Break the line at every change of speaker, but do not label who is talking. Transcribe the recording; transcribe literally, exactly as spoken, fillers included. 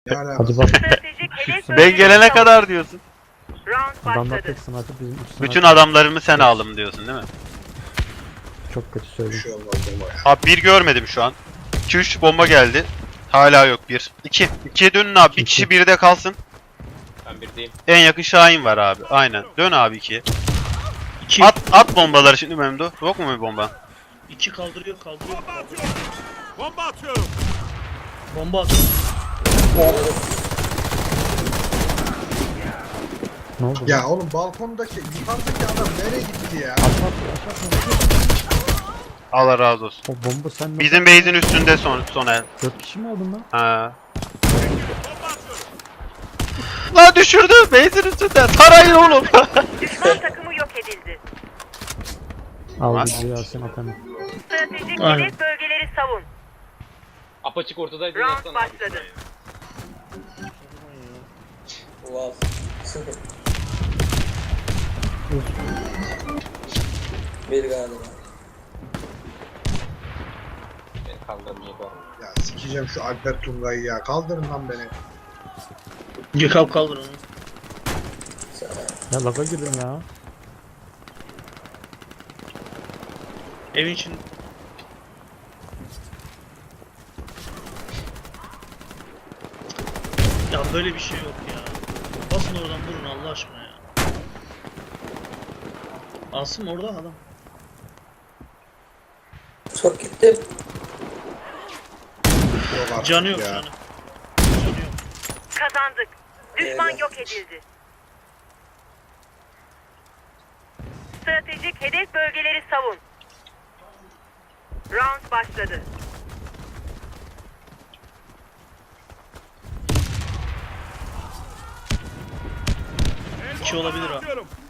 Ne alakası?
Hadi bak.
Stratejik hedef
Ben
bölgesi
gelene
savun.
kadar diyorsun.
Round
Adamlar
başladı.
tek sniper bizim üç sniper.
Bütün adamlarımı sen aldım diyorsun değil mi?
Çok kötü
Bir
söyledim.
şey olmaz ama ya.
Abi bir görmedim şu an. iki üç bomba geldi. Hala yok bir. iki. ikiye dönün abi. Bir
İki.
kişi birde kalsın.
Ben birdeyim.
En yakın Şahin var abi. Aynen. Dön abi ikiye.
İki,
At at bombaları şimdi Memdu. Yok mu bir bomba?
iki kaldırıyor, kaldırıyor.
Bomba atıyorum.
Bomba atıyor.
Ne oldu?
Ya oğlum balkondaki yukarıdaki adam nereye gitti ya?
Aşağı aşağı aşağı.
Allah razı olsun.
O bomba sen nasıl?
Bizim base'in üstünde son son el.
Dört kişi mi aldın lan?
Ha. Lan düşürdü base'in üstünde. Tarayın oğlum.
Düşman takımı yok edildi.
Al
Var.
videoyu al sen atalım.
Stratejik
Aynen.
hedef bölgeleri savun.
Apaçık ortadaydı.
Round
yatsana abi.
başladı.
Wow. Bir galiba.
Beni kaldırmayacak var.
Ya sikeceğim şu Alper Tungay'ı ya. Kaldırın lan beni.
Gökhan kaldır onu.
Ya laga girdim ya.
Evin için. Ya böyle bir şey yok ya. Basın oradan vurun Allah aşkına ya. Asım orada adam.
Çok gittim.
Yok artık
Canı yok
ya.
canı. Canı yok.
Kazandık. Düşman
Eyvah.
yok edildi. Stratejik hedef bölgeleri savun. Round başladı.
İki olabilir ha.
Atıyorum.